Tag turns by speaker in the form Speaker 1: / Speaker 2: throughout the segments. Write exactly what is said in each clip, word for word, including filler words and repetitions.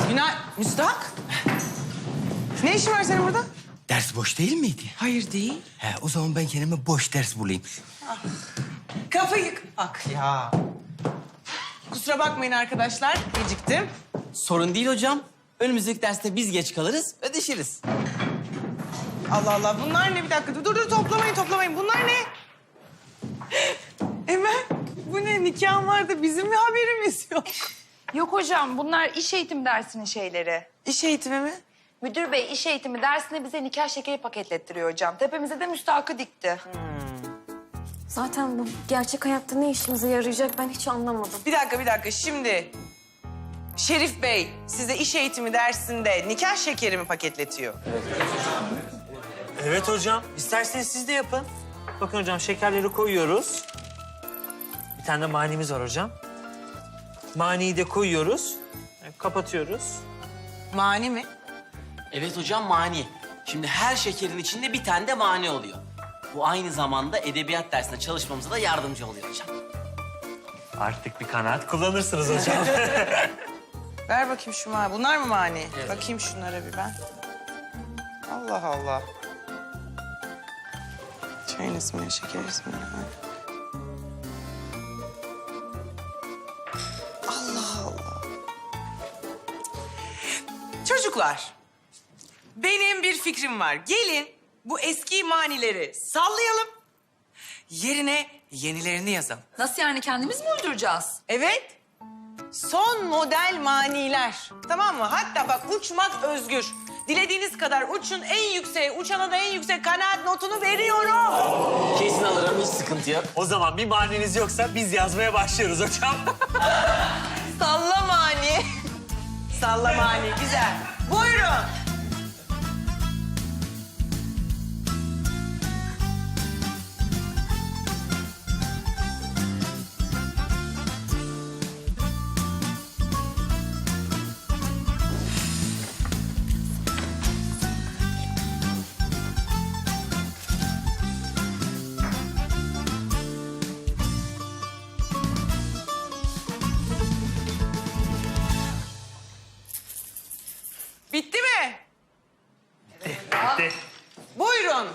Speaker 1: Günay, Müstahak. Ne işin var senin burada?
Speaker 2: Ders boş değil miydi?
Speaker 1: Hayır değil.
Speaker 2: He, o zaman ben kendime boş ders bulayım.
Speaker 1: Kafayı ak ya. Kusura bakmayın arkadaşlar, geciktim.
Speaker 3: Sorun değil hocam. Önümüzdeki derste biz geç kalırız, ödeşiriz.
Speaker 1: Allah Allah, bunlar ne? Bir dakika, dur dur, dur toplamayın, toplamayın. Bunlar ne? Emel, bu ne? Nikahın vardı, bizim mi haberimiz yok?
Speaker 4: Yok hocam, bunlar iş eğitimi dersinin şeyleri.
Speaker 1: İş eğitimi mi?
Speaker 4: Müdür bey iş eğitimi dersine bize nikah şekeri paketlettiriyor hocam. Tepemize de müstahakı dikti.
Speaker 5: Zaten bu gerçek hayatta ne işimize yarayacak ben hiç anlamadım.
Speaker 1: Bir dakika, bir dakika. Şimdi Şerif Bey size iş eğitimi dersinde nikah şekeri mi paketletiyor?
Speaker 6: Evet hocam. İsterseniz siz de yapın. Bakın hocam şekerleri koyuyoruz. Bir tane de manimiz var hocam. Maniyi de koyuyoruz. Kapatıyoruz.
Speaker 1: Mani mi?
Speaker 3: Evet hocam, mani. Şimdi her şekerin içinde bir tane de mani oluyor. Bu aynı zamanda edebiyat dersinde çalışmamıza da yardımcı oluyor hocam.
Speaker 6: Artık bir kanaat kullanırsınız hocam.
Speaker 1: Ver bakayım şu mani. Bunlar mı mani? Bakayım şunlara bir ben. Allah Allah. Çayın ismini, şeker ismini. Allah Allah. Çocuklar, benim bir fikrim var. Gelin bu eski manileri sallayalım. Yerine yenilerini yazalım.
Speaker 4: Nasıl yani, kendimiz mi uyduracağız?
Speaker 1: Evet. Son model maniler. Tamam mı? Hatta bak, uçmak özgür. Dilediğiniz kadar uçun, en yükseğe, uçana da en yüksek kanaat notunu veriyorum.
Speaker 3: Kesin alırım, hiç sıkıntı yok.
Speaker 6: O zaman bir maniniz yoksa biz yazmaya başlıyoruz hocam.
Speaker 1: Salla mani. Salla mani, güzel. Buyurun. Bitti mi?
Speaker 6: Bitti.
Speaker 1: Buyurun.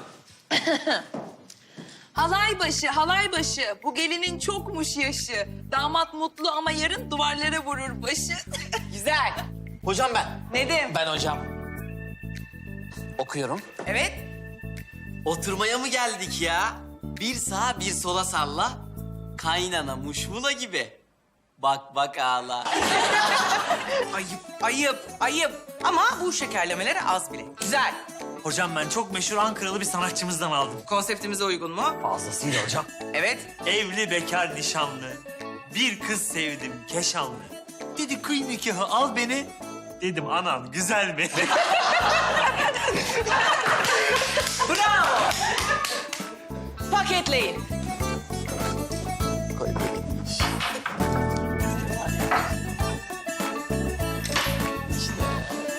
Speaker 4: Halay başı, halay başı. Bu gelinin çokmuş yaşı. Damat mutlu ama yarın duvarlara vurur başı.
Speaker 1: Güzel.
Speaker 3: Hocam ben.
Speaker 1: Nedim.
Speaker 3: Ben hocam. Okuyorum.
Speaker 1: Evet.
Speaker 3: Oturmaya mı geldik ya? Bir sağa bir sola salla. Kaynana muşmula gibi. Bak bak ağla.
Speaker 1: Ayıp, ayıp, ayıp. Ama bu şekerlemelere az bile. Güzel.
Speaker 6: Hocam ben çok meşhur Ankaralı bir sanatçımızdan aldım.
Speaker 1: Konseptimize uygun mu?
Speaker 6: Fazlasıyla hocam.
Speaker 1: Evet.
Speaker 6: Evli bekar nişanlı. Bir kız sevdim keşanlı. Dedi kıy nikahı al beni. Dedim anam güzel mi?
Speaker 1: Bravo. Paketleyin.